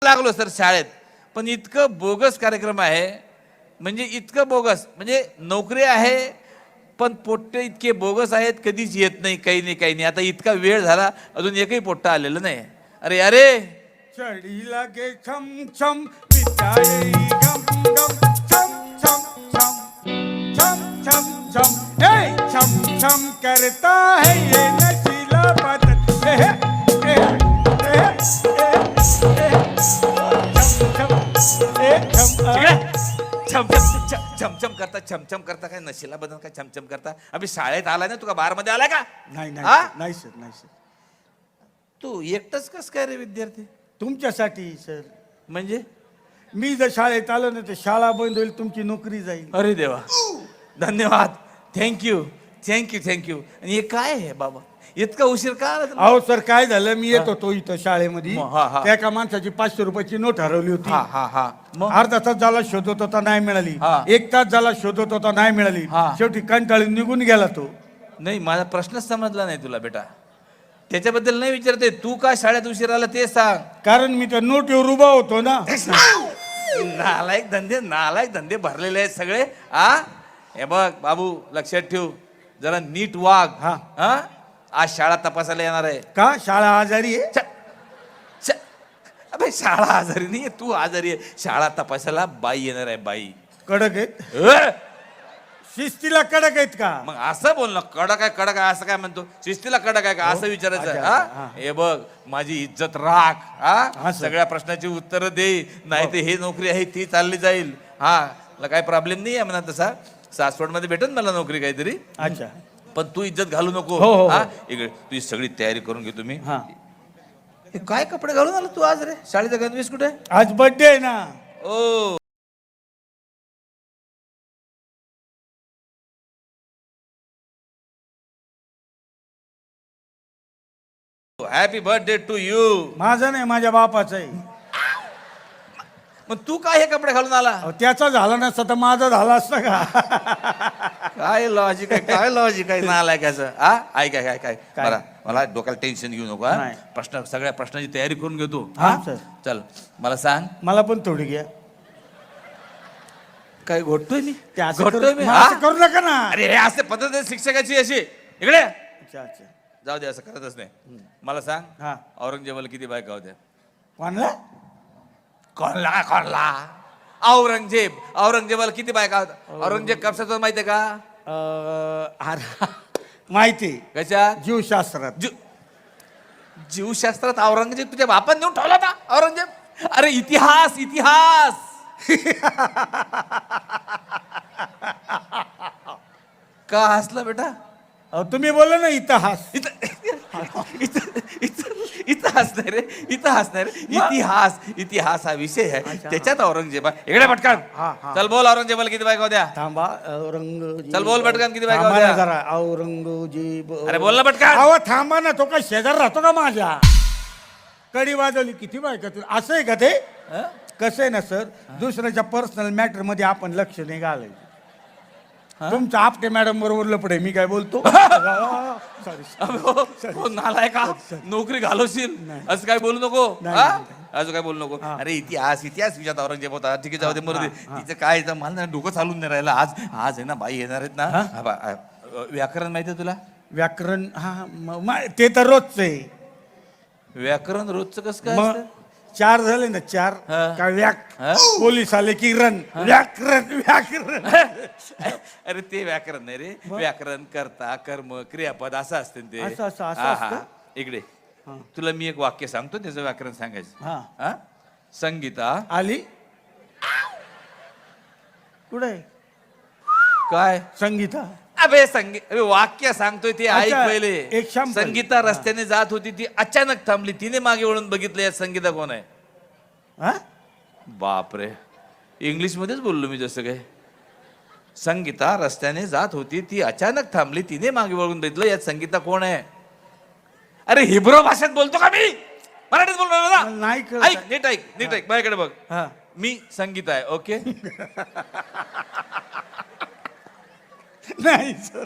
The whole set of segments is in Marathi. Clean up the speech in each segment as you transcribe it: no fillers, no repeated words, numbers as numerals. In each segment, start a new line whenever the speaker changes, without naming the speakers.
लागलो सर शाळेत, पण इतकं बोगस कार्यक्रम आहे, म्हणजे इतकं बोगस, म्हणजे नोकरी आहे पण पोट्टे इतके बोगस आहेत, कधीच येत नाही, काही नाही काही नाही. आता इतका वेळ झाला अजून एकही पोट्टा आलेलं नाही. अरे अरे
चढी लागे छम छम विचारे गम गम छम छम छम छम छम छम ए छम छम करता है ये नशीला बदन ए ए ए
छमछम करता, छमछम करता, काय नशिला बदन, काय छमछम करता. अभि शाळेत आलाय ना, तुका बार मध्ये आलाय का?
नाही
हा?
नाही सर, नाही सर.
तू एकटच कस काय रे विद्यार्थी?
तुमच्यासाठी सर.
म्हणजे
मी जर शाळेत आलो ना तर शाळा बंद होईल, तुमची नोकरी जाईल.
अरे देवा, धन्यवाद, थँक्यू थँक्यू थँक्यू. आणि हे काय आहे बाबा, इतका उशीर का आला तुला?
अहो सर, काय झालं, मी येत होतो इथं शाळेमध्ये,
हा, हा.
त्या एका माणसाची 500 रुपयाची नोट हरवली होती.
हा हा हा. मग
अर्धा तास झाला शोधत होता, नाही मिळाली.
हा.
1 तास झाला शोधत होता, नाही मिळाली.
हा.
शेवटी कंटाळून निघून गेला तो.
नाही, माझा प्रश्नच समजला नाही तुला बेटा. त्याच्याबद्दल नाही विचारते, तू का शाळेत उशीर आला ते सांग.
कारण मी त्या नोटीवर उभा होतो ना.
नालायक धंदे भरलेले आहेत सगळे. हे बघ बाबू, लक्षात ठेव, जरा नीट वाग.
हा.
हा, आज शाळा तपासायला येणार आहे.
का शाळा आजारी आहे?
अबे शाळा आजारी नाही, तू आजारी आहे. शाळा तपासायला बाई येणार आहे, बाई.
कडक आहेत?
अ?
शिस्तीला कडक आहेत का?
मग असं बोल ना, कडक आहे असं काय म्हणतो? शिस्तीला कडक आहे का असं विचारायचं?
अच्छा,
हा,
हा.
हे बघ, माझी इज्जत राख.
हा,
हा,
सर.
सगळ्या प्रश्नाची उत्तर दे, नाही तर हे नोकरी आहे ती चालली जाईल. हा, मला काही प्रॉब्लेम नाही आहे म्हणा तसा. सासवड मध्ये भेटेल मला नोकरी काहीतरी.
अच्छा.
पण तू इज्जत घालू नको.
हो, हो, हो.
हा, इकडे तुझी सगळी तयारी करून घे तुम्ही.
हा.
हे काय कपडे घालून आला तू आज रे? शाळेचा गणवेश कुठे?
आज बर्थडे आहे ना.
ओ, हॅपी बर्थडे टू यू.
माझा नाही, माझ्या बापाचा आहे.
मग तू काय हे कपडे घालून आला?
अहो, त्याचा झाला नसता तर माझा झाला असता का?
काय लॉजिक आहे, काय लॉजिक आहे नालायकाचं. हा, ऐक काय काय काय
काय?
बरं, मला डोक्याला टेन्शन घेऊ नको. हा,
नाही.
सगळ्या प्रश्नाची तयारी करून घेतो.
हा, सर.
चल मला सांग,
मला पण थोडी घ्या.
काय घोटतोय मी?
ते असं
घोटतोय मी?
मग
हा?
असं करू नका ना.
अरे हे असे पद्धत आहे शिक्षकाची अशी. इकडे
अच्छा अच्छा.
जाऊ दे, असं करतच नाही. मला सांग,
हा.
औरंगजेबाला किती बायका होत्या?
कोणला?
कोणला औरंगजेबाला किती बायका होत्या? औरंगजेब कशाचं माहितीये का?
माहिती.
कशा?
जीवशास्त्रात.
जीवशास्त्रात औरंगजेब तुझ्या बापान नेऊन ठेवला होता औरंगजेब? अरे इतिहास इतिहास. का हसला बेटा?
तुम्ही बोला ना इतिहास.
इतिहास नाही रे, इतिहास नाही रे, इतिहास. इतिहास हा विषय आहे, त्याच्यात औरंगजेबा. इकडे पटकन
हा, हा.
चल बोल, औरंगजेबाला किती बायका होत्या?
थांबा. औरंगजेब.
चल बोल पटकन, किती बायका
थांबा ना
होत्या?
जरा. औरंगजेब.
अरे बोल ना पटकन.
अहो थांबा ना, तो काय शेजार राहतो का माझ्या? कडी वाजवली किती बायका तुला? असं आहे का ते?
हं?
कसं आहे ना सर, दुसऱ्याच्या पर्सनल मॅटर मध्ये आपण लक्ष नाही घालायचं. तुमचं आपटे मॅडम बरोबर लपडे, मी काय बोलतो? सॉरी.
हो, नालाय का? नोकरी घालवशील असं काय बोलू नको.
नाही,
हा?
नाही,
असं काय बोलू नको. अरे इतिहास इतिहास विचारत औरंगजेब होता. ठीक आहे, जाऊ दे, मरू दे. तिचं काय आहे, मला ना डोकं चालून नाही राहिलं. आज आज आहे ना, बाई येणार आहेत ना. हा, व्याकरण माहितीये तुला?
व्याकरण? ते तर रोजच आहे.
व्याकरण रोजचं कसं काय
मग
असतं?
4 झाले ना, 4
हा.
का व्याक.
हा?
पोलीस आले की रन. व्याकरण व्याकरण.
अरे ते व्याकरण नाही रे, व्याकरण कर्ता कर्म क्रियापद असं असते ते.
असं
हा, हा.
असतं?
इकडे तुला मी एक वाक्य सांगतो, त्याचं व्याकरण सांगायचं.
हा.
हा? संगीता
आली कुठे?
काय?
संगीता.
अबे अबे वाक्य सांगतोय ते ऐक
अच्छा,
पहिले.
एक शांपल.
संगीता रस्त्याने जात होती, ती अचानक थांबली. तिने मागे वळून बघितलं, यात संगीता कोण आहे?
हा?
बापरे, इंग्लिश मध्येच बोललो मी जसं काय. संगीता रस्त्याने जात होती, ती अचानक थांबली, तिने मागे वळून बघितलं, यात संगीता कोण आहे? अरे हिब्रो भाषेत बोलतो का मी? मराठीत बोललो ना.
नाही कळत.
ऐक, नीट ऐक, नीट ऐक, माझ्याकडे बघ.
हा.
मी संगीता आहे, ओके?
नाही सर.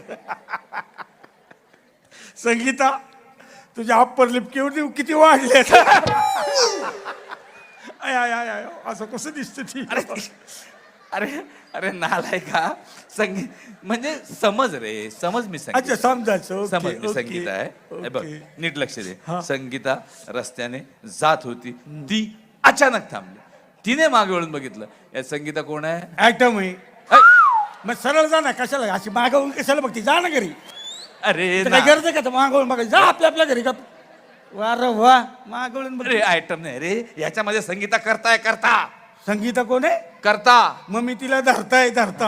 संगीता, तुझ्या अप्पर लिप किती वाढले. आय आय आय आय असं कसं दिसतं ती
अरे अरे अरे नालाय का संगीत म्हणजे समज रे समज मी संगीत
अच्छा समजायचं ओके,
समज मी
ओके,
संगीता आहे हे बघ
ओके.
नीट लक्ष दे
हा.
संगीता रस्त्याने जात होती ती अचानक थांबली तिने मागे वळून बघितलं या संगीता कोण आहे
ऍटम आहे
ऐ,
मग सरळ जा ना कशाला अशी मागवून कशाला बघती जा ना घरी
अरे
इथं काय
ना-
गरज आहे का मागवून बघायची जा आपल्या घरी का वा रे वा मागवून बघ
अरे आयटम नाही रे याच्यामध्ये संगीता करताय करता
संगीता कोण आहे
करता
मग मी तिला धरता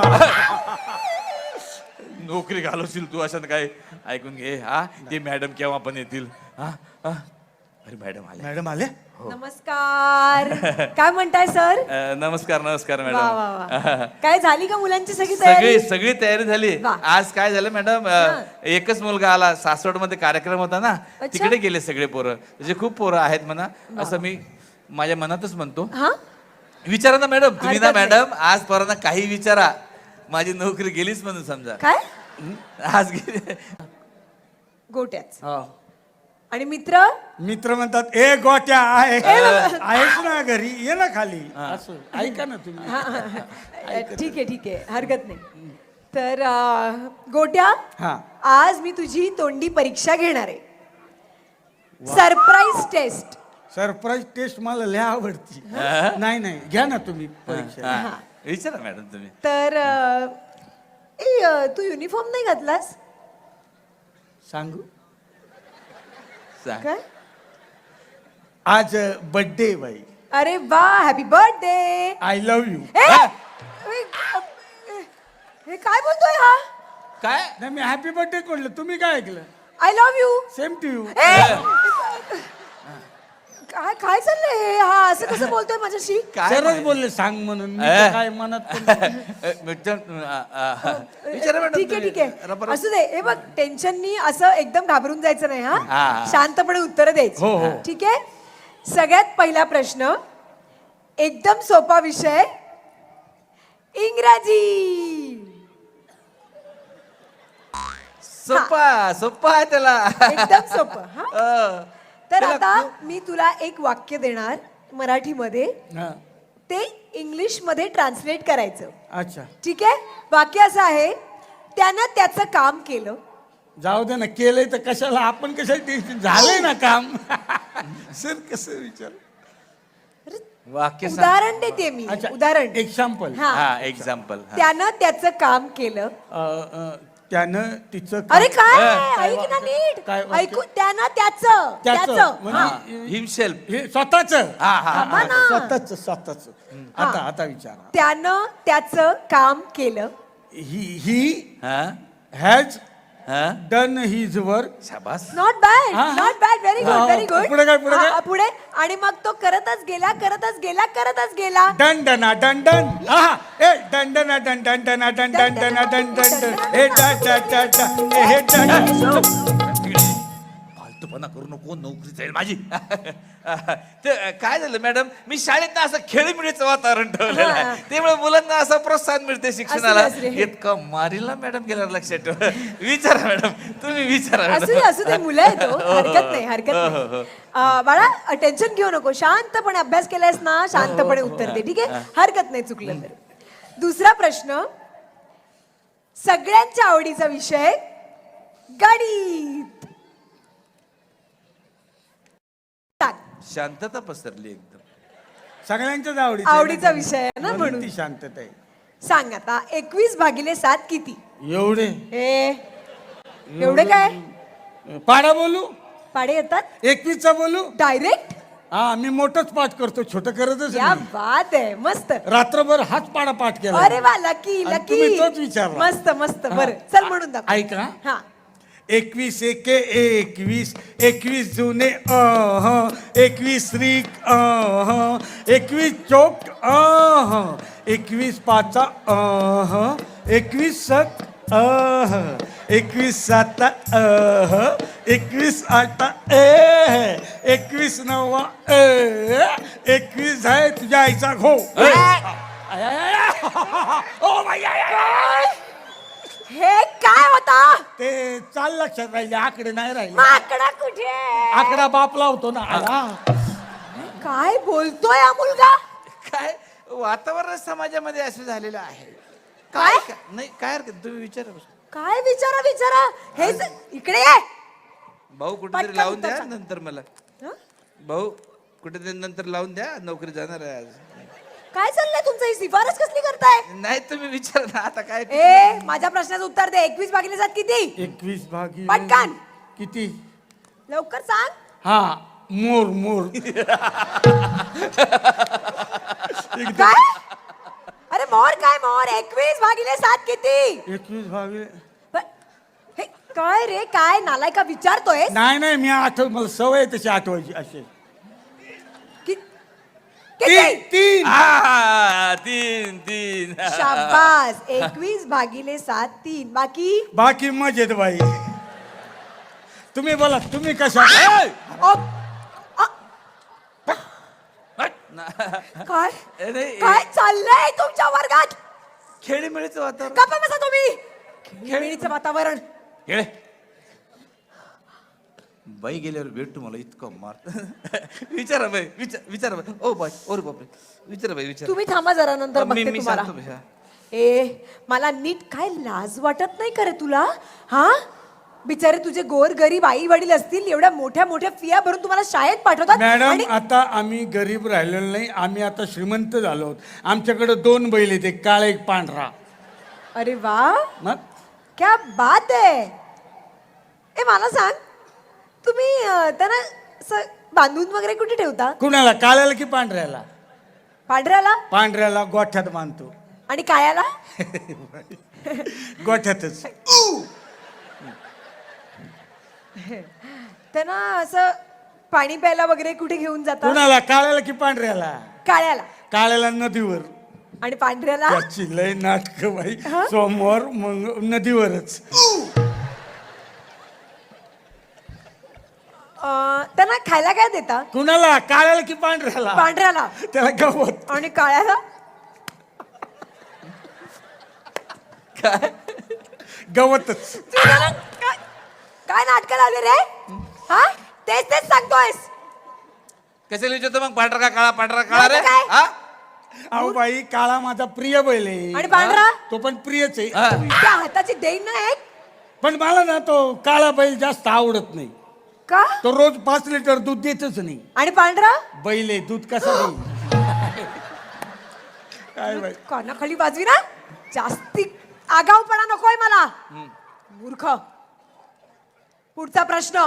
नोकरी घालवशील तू असं काय ऐकून घे हा ते मॅडम केव्हा पण येतील हा हा. अरे मॅडम आले
मॅडम आले
नमस्कार काय म्हणताय सर
नमस्कार नमस्कार
वा वा वा
मॅडम
काय झाली का मुलांची सगळी तयारी
सगळी सगळी तयारी झाली
वा.
आज काय झालं मॅडम एकच मुलगा आला सासवड मध्ये कार्यक्रम होता ना
अच्छा.
तिकडे गेले सगळे पोरं म्हणजे खूप पोरं आहेत म्हणा असं मी माझ्या मनातच म्हणतो
हा
विचारा ना मॅडम तुम्ही ना
हरकत नाही.
मॅडम आज पोरांना काही विचारा माझी नोकरी गेलीच म्हणून समजा
काय
आज गेली
गोट्याच
हा.
आणि मित्र
मित्र म्हणतात ए गोट्या आहेस ना घरी ये ना खाली असं ऐका ना तुम्ही
हा, हा, हा. ठीक आहे हरकत नाही तर गोट्या
हा
आज मी तुझी तोंडी परीक्षा घेणार आहे सरप्राईज टेस्ट
सरप्राईज टेस्ट मला लय आवडती नाही नाही घ्या ना तुम्ही परीक्षा
हा. विचारा मॅडम तुम्ही
तर तू युनिफॉर्म नाही घातलास
सांगू
सांग.
काय
आज बर्थडे बाई
अरे वा happy birthday
I love you
हे काय बोलतोय हा
काय
नाही मी हॅपी बर्थडे म्हटलं तुम्ही काय ऐकलं
I love you
same to you
काय काय चाललंय हे? हा असं कसं बोलतोय माझ्याशी
काय
सरच
माहित?
बोलले सांग म्हणून मी
ए.
तर काय मनात पण-
विचारा मॅडम
ठीक आहे
तुम्ही.
ठीक आहे
रबर-
असू दे हे बघ टेन्शननी असं एकदम घाबरून जायचं नाही
हा.
हा शांतपणे उत्तर
हो,
द्यायची
हो.
ठीक आहे सगळ्यात पहिला प्रश्न एकदम सोपा विषय इंग्रजी
सोपा सोपा आहे त्याला
एकदम सोपं हा
अ,
तर
त्याला
आता मी तुला एक वाक्य देणार मराठीमध्ये
हा.
ते इंग्लिश मध्ये ट्रान्सलेट करायचं
अच्छा
ठीक आहे वाक्य असं आहे त्यानं त्याचं काम केलं
जाऊ दे ना केलंय तर कशाला आपण कशाला टेन्शन झालंय ना काम सर कसं विचार
वाक्य सांग.
उदाहरण देते मी
अच्छा
उदाहरण
एक्झाम्पल
हा
हा एक्झाम्पल
त्यानं त्याचं काम केलं
त्यानं तिचं
अरे काय
हा.
ऐक ना नीट
काय वाक्य?
ऐकू त्यानं त्याचं
त्याचं म्हणजे
हिमसेल्फ
हे स्वतःच
हा हा
थांबा ना.
स्वतःच आता विचारा
त्यानं त्याचं काम केलं
ही
हा
हॅज
हा
डन हिज वर्क
शाबास
नॉट बॅड
हा, हा.
नॉट बॅड व्हेरी
हा,
गुड व्हेरी गुड
पुढे काय, पुढे काय?
पुढे आणि मग तो करतच गेला
डन डना डन डन आहा ए डन डना डन डन डना डन डन डना डन डन डन ए डा डा डा डा ए हे डन
फालतूपणा करू नको नोकरी जाईल माझी ते काय झालं मॅडम मी शाळेत असं खेळीमिळीचं वातावरण ठेवलेलं
हा.
आहे त्यामुळे मुलांना असं प्रोत्साहन मिळते शिक्षणाला
असू दे.
इतकं मारीला मॅडम गेल्यावर लक्षात ठेवा विचारा मॅडम तुम्ही विचारा
असू दे मुलं आहे तो हरकत नाही हरकत नाही बाळा टेन्शन घेऊ नको शांतपणे अभ्यास केलायस ना शांतपणे उत्तर दे ठीक आहे हरकत नाही चुकलं तर दुसरा प्रश्न सगळ्यांच्या आवडीचा विषय गणित सांग.
शांतता पसरली एकदम
सगळ्यांच्याच
आवडीचा विषय आहे ना म्हणून
ती शांतता आहे
सांग आता 21/7 किती
एवढे
हे एवढे काय
पाडा बोलू
पाडे येतात
21चा बोलू
डायरेक्ट
हा मी मोठंच पाठ करतो छोटं करतच
क्या
नाही.
बात आहे मस्त
रात्रभर हाच पाडा पाठ केला
अरे वा लकी
आणि
लकी
तुम्ही तोच विचारला.
मस्त मस्त बर चल म्हणून दाखव
ऐका
हा
21 एके 21 21 जुने 21 रिक 21 चोक 21 पाचा 21 सक 21 साता 21 आटा 21 नवा 21 आहे तुझ्या आईचा घो O by, I, I, I.
हे काय होता
ते चाल लक्षात राहिले आकडे नाही राहिले
माकडा कुठे
आकडा बाप लावतो ना आला
काय बोलतोय हा मुलगा?
काय वातावरण समाजामध्ये असं झालेलं आहे.
काय?
नाही काय हरकत तुम्ही विचारा बरं.
काय विचारा हे इकडे ये.
भाऊ कुठेतरी
पटकन
लावून
उत्तर
द्या
सांग.
नंतर मला.
हं?
भाऊ कुठेतरी नंतर लावून द्या, नोकरी जाणार आहे आज.
काय चाललंय तुमचं? ही शिफारस कसली करताय?
नाही तुम्ही विचारा ना आता काय.
ए माझ्या प्रश्नाचं उत्तर दे. 21/7 किती?
21
पटकन.
किती?
लवकर सांग.
हा मोर
काय? अरे मोर काय मोर? 21/7 किती?
21
हे काय रे? काय नालायका विचारतोय?
नाही मी आठव, मला सवय आहे तशी आठवायची असे.
किती?
तीन.
तीन
शाबास. 21/7 3.
बाकी मजेत बाई. तुम्ही बोला, तुम्ही कशा?
ओ, अ, काय काय चाललंय तुमच्या वर्गात?
खेळीमेळीचं वातावरण.
गप्पा बसा तुम्ही. खेळीचं वातावरण.
खेळे बाई गेल्यावर भेटू मला इतकं मार. विचारा बाई विचारा बाई. ओ बाई ओर बापरे. विचारा बाई विचारा.
तुम्ही थांबा जरा, नंतर
मी
बघते तुम्हाला.
सांगतो बाई, हा.
मला नीट काय लाज वाटत नाही करे तुला? हा बिचारे तुझे गोर गरीब आई वडील असतील, एवढ्या मोठ्या मोठ्या फिया भरून तुम्हाला शाळेत पाठवतात.
मॅडम
आणि-
आता आम्ही गरीब राहिलेलो नाही, आम्ही आता श्रीमंत झालो आहोत. आमच्याकडे 2 बैल आहेत, एक काळा एक पांढरा.
अरे वा,
मग
क्या बात आहे. मला सांग, तुम्ही त्यांना असं बांधून वगैरे कुठे ठेवता?
कुणाला, काळ्याला की पांढऱ्याला?
पांढऱ्याला.
पांढऱ्याला गोठ्यात बांधतो.
आणि काळ्याला?
गोठ्यातच.
त्यांना असं पाणी प्यायला वगैरे कुठे घेऊन जाता?
कुणाला, काळ्याला की पांढऱ्याला?
काळ्याला.
काळ्याला नदीवर.
आणि पांढऱ्याला?
त्याची लय नाटक बाई. सोमवार नदीवरच.
त्यांना खायला काय देता?
कुणाला, काळ्याला की पांढऱ्याला?
पांढऱ्याला.
त्याला गवत.
आणि काळ्याला?
काय
गवतच.
काय नाटक लावले रे? हा तेच सांगतोयस.
कशाला विचारतो मग? पांढरा का काळा रे?
काय?
हा?
अहो बाई, काळा माझा प्रिय बैल आहे.
आणि पांढरा?
तो पण प्रियच आहे.
हा.
त्या हाताची देईन ना एक.
पण मला ना तो काळा बैल जास्त आवडत नाही.
का?
तो रोज 5 लिटर दूध देतच नाही.
आणि पांढरा?
बैल आहे, दूध कसं देईल? काय बाई.
कानाखाली बाजवी ना. जास्ती आगाऊपणा नकोय मला. मूर्ख. पुढचा प्रश्न.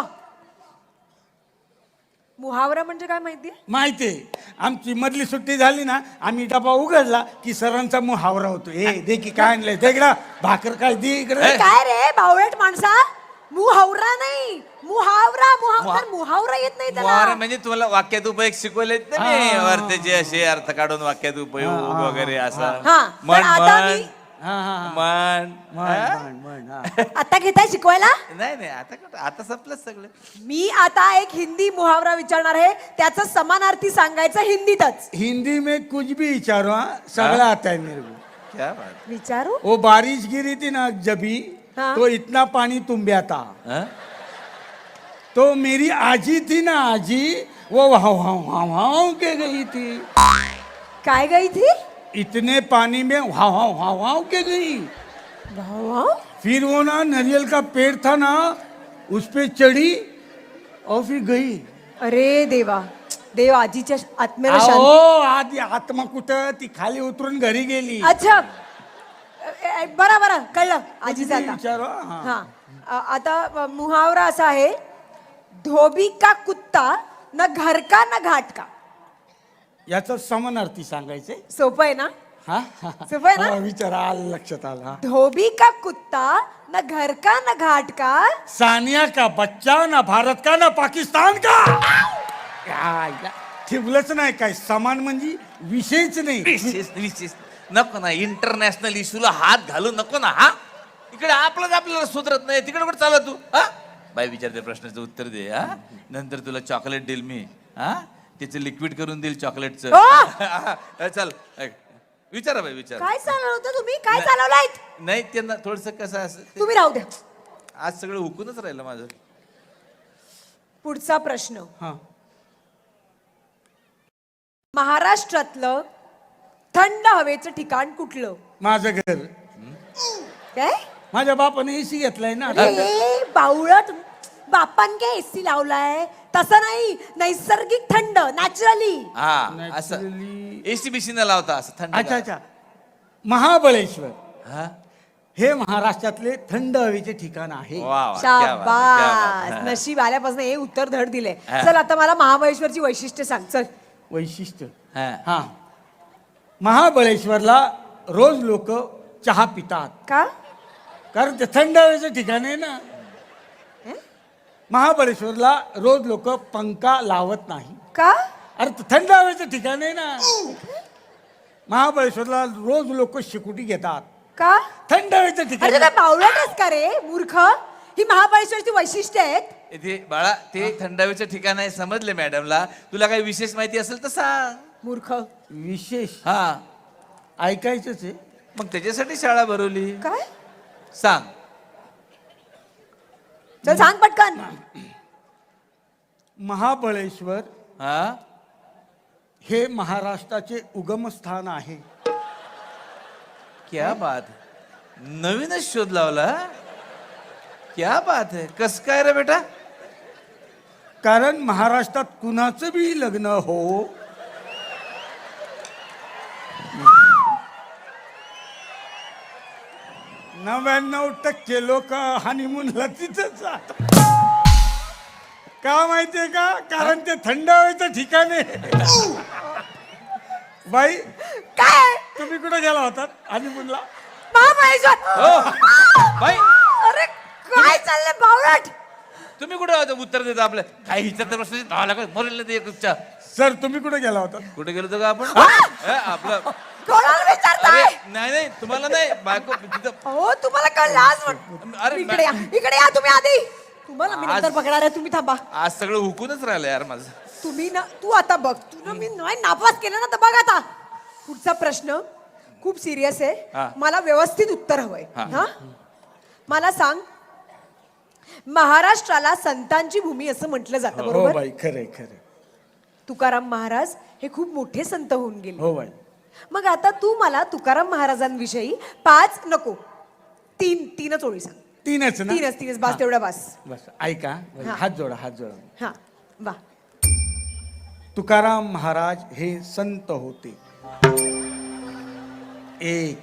मुहावरा म्हणजे काय माहितीये?
माहितीये. आमची मधली सुट्टी झाली ना, आम्ही डबा उघडला की सरांचा मुहावरा होतो. हे दे की काय आणलंय, दे इकडं. भाकर काय दे इकडे.
काय रे बावळट माणसा? मुहावरा नाही, मुहावरा. मुहावरा येत नाही
मुहावरा
त्याला.
म्हणजे तुम्हाला वाक्यात उपयोग शिकवलेत ना मी. अर्थाचे असे अर्थ काढून वाक्यात उपयोग वगैरे असा.
हा, पण आता मी
हा हा हा.
मन
म्हण, हा.
आता घेताय शिकवायला?
नाही आता कुठं, आता संपलं सगळं.
मी आता एक हिंदी मुहावरा विचारणार आहे, त्याचं समानार्थी सांगायचं हिंदीतच.
हिंदी में कुछ भी विचारो, हाँ, सगळं आता है मेरे को.
क्या बात.
विचारू?
वो बारिश गिरी थी ना जबी,
हाँ.
तो इतना पानी तुम्बिया था.
हा?
तो मेरी आजी थी ना, आजी, वो वहां के गई थी.
काय गई थी?
इतने पानी में वहां के गई.
वाह,
फिर वो ना नारियल का पेड़ था ना, उस पे चढ़ी और फिर गई.
अरे देवा, देव आजीच्या आत्म्याला शांती.
अहो, आधी आत्मा कुठं, ती खाली उतरून घरी गेली.
अच्छा, बरं कळलं आजीचं
किती
आता.
विचारो, हा.
हा, आता मुहावरा असा आहे, धोबी का कुत्ता न घर का न घाट का.
याचा समानार्थी सांगायचे.
सोपं आहे ना?
हा
सोपं आहे ना?
हा, विचार आलं लक्षात आला. हा.
धोबी का कुत्ता न घर का न घाट का.
सानिया का बच्चा ना भारत का ना पाकिस्तान का. यायला ठेवलंच नाही काय, समान म्हणजे विषयच नाही.
विशेष नको ना, इंटरनॅशनल इश्यूला हात घालू नको ना. हा, इकडे आपल्याला सुधरत नाही, तिकडे कुठे चालला तू? हा, बाई विचारते प्रश्नाचं उत्तर दे. हा, नंतर तुला चॉकलेट देईल मी. हा, त्याचं लिक्विड करून देईल चॉकलेटचं. चल विचारा बाई विचार.
काय चालवलं होतं तुम्ही? काय चालवलाय?
नाही त्यांना थोडस कसं असं
तुम्ही राहू द्या.
आज सगळं हुकूनच राहिलं माझं.
पुढचा प्रश्न.
हा.
महाराष्ट्रातलं थंड हवेचं ठिकाण कुठलं?
माझं घर.
काय?
माझ्या बापाने एसी घेतलाय ना.
अरे बावळट, बापान काय एसी लावलाय? तसं नाही, नैसर्गिक थंड, नॅचरली.
हा असं
Naturally.
एसी बीसी न लावता असं थंड.
अच्छा अच्छा. महाबळेश्वर
हा
हे महाराष्ट्रातले थंड हवेचे ठिकाण आहे.
वा वा, क्या बात है, क्या बात
शाबास,
है.
नशीब आल्यापासून हे उत्तर धड दिले.
हा.
चल आता मला महाबळेश्वरची वैशिष्ट्य सांग. चल.
वैशिष्ट्य.
हा.
हा, महाबळेश्वरला रोज लोक चहा पितात
का?
कारण ते थंड हवेचं ठिकाण आहे ना. महाबळेश्वरला रोज लोक पंखा लावत नाही.
का?
अरे ते थंड हवेचं ठिकाण आहे ना. महाबळेश्वरला रोज लोक शिकुटी घेतात.
का?
थंड हवेचं ठिकाण
अरे
आहे.
काय बावळटच का रे मूर्ख? ही महाबळेश्वरची वैशिष्ट्य आहेत.
इथे बाळा ते थंड हवेचं ठिकाण आहे समजले मॅडमला. तुला काही विशेष माहिती असेल तर सांग.
मूर्ख.
विशेष
हा
ऐकायचंच आहे.
मग त्याच्यासाठी शाळा भरवली.
काय?
सांग.
चल सांग पटकन.
महाबळेश्वर
हा
हे महाराष्ट्राचे उगमस्थान आहे.
क्या बात है. नवीनच शोध लावला हा? क्या बात है. कस काय रे बेटा?
कारण महाराष्ट्रात कुणाचं बी लग्न हो, 99% लोक हनीमूनला तिथंच जातात. का माहितीये का? कारण ते थंड हवेचं ठिकाण आहे. बाई
काय?
तुम्ही कुठे गेला होता हनीमूनला?
महाबळेश्वर.
हो बाई
अरे काय चाललंय बावळट?
तुम्ही कुठे होता? उत्तर देता आपलं काही विचारता प्रश्न धावा मरेल ते एकच्या.
सर तुम्ही कुठे गेला होता?
कुठे गेलो होतो का आपण? आपलं
कोणाला विचारताय?
अरे नाही नाही तुम्हाला नाही बायको तिथं.
हो तुम्हाला कळ लाज वाट.
अरे
इकडे या, इकडे या तुम्ही आधी. तुम्हाला मी नंतर
आज-
बघणार आहे, तुम्ही थांबा.
आज सगळं हुकूनच राहिलं यार माझं.
तुम्ही ना, तू आता बघ. तुला मी नाही नापास केलं ना, तर बघ आता. पुढचा प्रश्न खूप सिरियस
हा.
आहे. मला व्यवस्थित उत्तर हवंय.
हा.
हा, मला सांग, महाराष्ट्राला संतांची भूमी असं म्हटलं जातं,
हो
बरोबर?
बाई खरे खरे.
तुकाराम महाराज हे खूप मोठे संत होऊन गेले.
हो बाई.
मग आता तू मला तुकाराम महाराजांविषयी 5 नको 3च ओळी सांग.
तीनच ना?
तीनच बस, तेवढा बस.
बस ऐका.
हा.
हात जोडा हात जोडा.
हा वा.
तुकाराम महाराज हे संत होते. एक,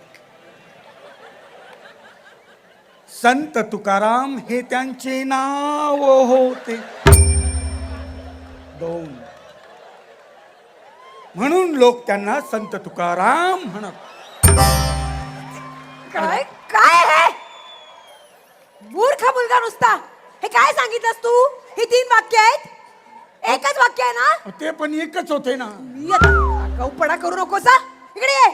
संत तुकाराम हे त्यांचे नाव होते. 2, म्हणून लोक त्यांना संत तुकाराम म्हणत.
काय काय हे मूर्ख मुलगा नुसता. हे काय सांगितलंस तू? ही 3 वाक्य आहेत? एकच वाक्य आहे ना?
ते पण एकच होते ना.
मी आता गौपडा करू नकोस हा. इकडे ये.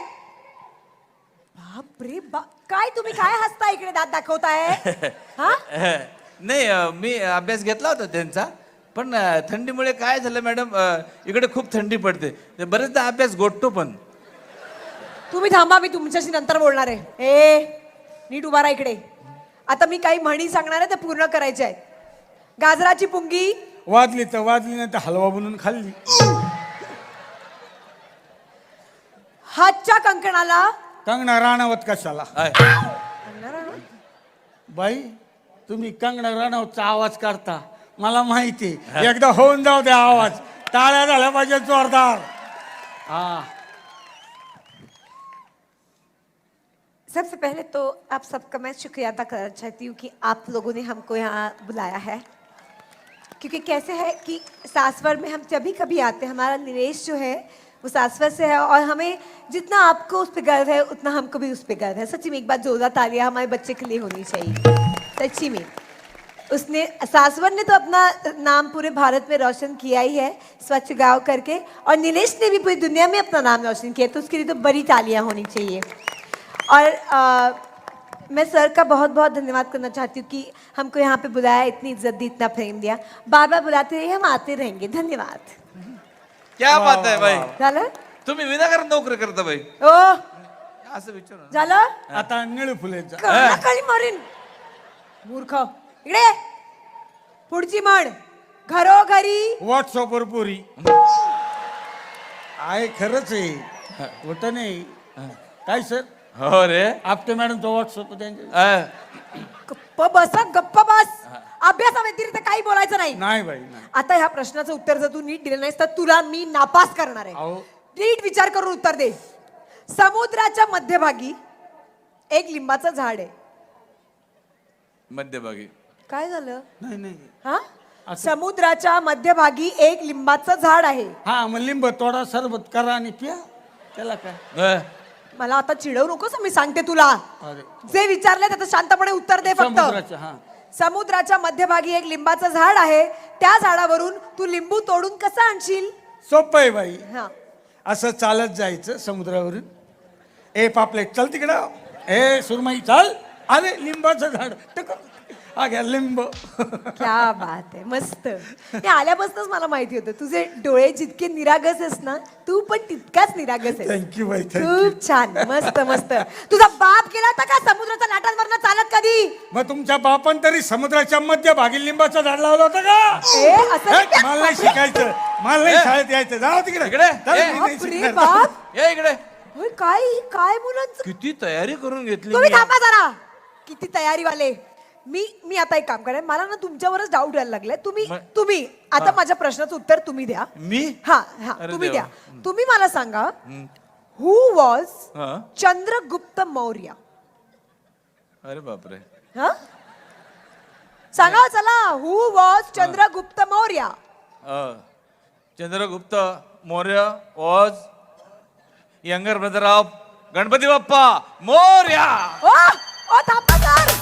बापरे बाप, काय तुम्ही काय हसता इकडे दात दाखवताय? हा,
नाही मी अभ्यास घेतला होता त्यांचा. पण थंडीमुळे काय झालं मॅडम, इकडे खूप थंडी पडते. बरेचदा अभ्यास गोठतो पण.
तुम्ही थांबा, मी तुमच्याशी नंतर बोलणार आहे. ए नीट उभा राहा इकडे. आता मी काही म्हणी सांगणार आहे, ते पूर्ण करायचे आहेत. गाजराची पुंगी
वाजली तर वाजली, नाही तर हलवा बनवून खाल्ली.
हातच्या कंकणाला
कंगना राणावत कशाला?
आहे.
बाई तुम्ही कंगना राणावतचा आवाज काढता, मला माहिती. एकदा होऊन जाऊ द्या आवाज. टाळ्या झाल्या पाहिजे जोरदार. हा.
सबसे पहले तो आप सबका मैं शुक्रिया अदा करना चाहती हूँ कि आप लोगों ने हमको यहाँ बुलाया है. क्योंकि कैसे है कि सासवर में हम जब भी कभी आते हैं, हमारा निवेश जो है वो सासवर से है, और हमें जितना आपको उस पर गर्व है उतना हमको भी उस पर गर्व है. सच्ची में एक बार जोरदार तालियां हमारे बच्चे के लिए होनी चाहिए. सच्ची में उसने, सासवर ने तो अपना नाम पूरे भारत में रोशन किया ही है स्वच्छ गांव करके, और नीलेश ने भी पूरी दुनिया में अपना नाम रोशन किया, तो उसके लिए तो बड़ी तालियां होनी चाहिए. और मैं सर का बहुत बहुत धन्यवाद करना चाहती हूँ कि हमको यहाँ पे बुलाया, इतनी इज्जत दी, इतना प्रेम दिया. बार बार बुलाते रहिए, हम आते रहेंगे. धन्यवाद.
क्या बात आहे बाई.
झालं?
तुम्ही विनाकारण नोकरी करता बाई.
ओ
असं विचार
झालं?
आता निळू फुलेचा.
कळी मारीन मूर्ख. इकडे पुढची म्हण, घरोघरी
व्हॉट्सअपवर पुरी. आहे खरंच आहे होत नाही काय सर
हो रे
आपटे मॅडम तो व्हॉट्सअप त्यांचे
गप्प बस हं, गप्प बस अभ्यासाव्यतिरिक्त काही बोलायचं नाही
नाही बाई नाही
आता ह्या प्रश्नाचं उत्तर जर तू नीट दिलं नाहीस तर तुला मी नापास करणार आहे
अहो
नीट विचार करून उत्तर दे समुद्राच्या मध्यभागी एक लिंबाचं झाड आहे
मध्यभागी
काय झालं
नाही नाही
हा समुद्राच्या मध्यभागी एक लिंबाचं झाड आहे
हा मग लिंब तोडा सरबत करा आणि पिया त्याला काय
मला आता चिडवू नकोस मी सांगते तुला
अरे
जे विचारले त्याचं शांतपणे उत्तर दे फक्त
समुद्राच्या हा
समुद्राच्या मध्यभागी एक लिंबाचं झाड आहे त्या झाडावरून तू लिंबू तोडून कसं आणशील
सोपं आहे बाई
हा
असं चालत जायचं समुद्रावरून ए पापलेट चल तिकडं ए सुरमई चाल अरे लिंबाचं झाड टक हा घ्या लिंब
क्या बात आहे मस्त हे आल्यापासूनच मला माहिती होतं तुझे डोळे जितके निरागस आहेस ना तू पण तितकाच निरागस आहेस
थँक्यू बाई थँक्यू
खूप छान मस्त मस्त तुझा बाप गेला होता का समुद्राच्या लाटांवरनं चालत कधी
मग तुमच्या बापान तरी समुद्राच्या मध्यभागी लिंबाचं झाड लावलं होतं का
ए असं
हे, मला नाही शिकायचं मला नाही शाळेत यायचं जाऊ तिकडे
इकडे.
चल,
ए,
मी नाही
बाप रे
शिकणार.
बाप
ये इकडे
होय, काय काय मुलांचं
किती तयारी करून घेतली
तुम्ही
मी.
थांबा जरा किती तयारी वाले मी आता एक काम करेन मला ना तुमच्यावरच डाऊट यायला लागलाय तुम्ही आता माझ्या प्रश्नाचं उत्तर तुम्ही द्या
मी
हा हा
अरे
तुम्ही
देवा.
द्या तुम्ही मला सांगा हु वॉज
हा.
चंद्रगुप्त मौर्य
अरे बापरे
हा सांगा चला who was Chandragupta Maurya
Chandragupta Maurya was younger brother of Ganpati Bappa Morya
ओ थांबा सर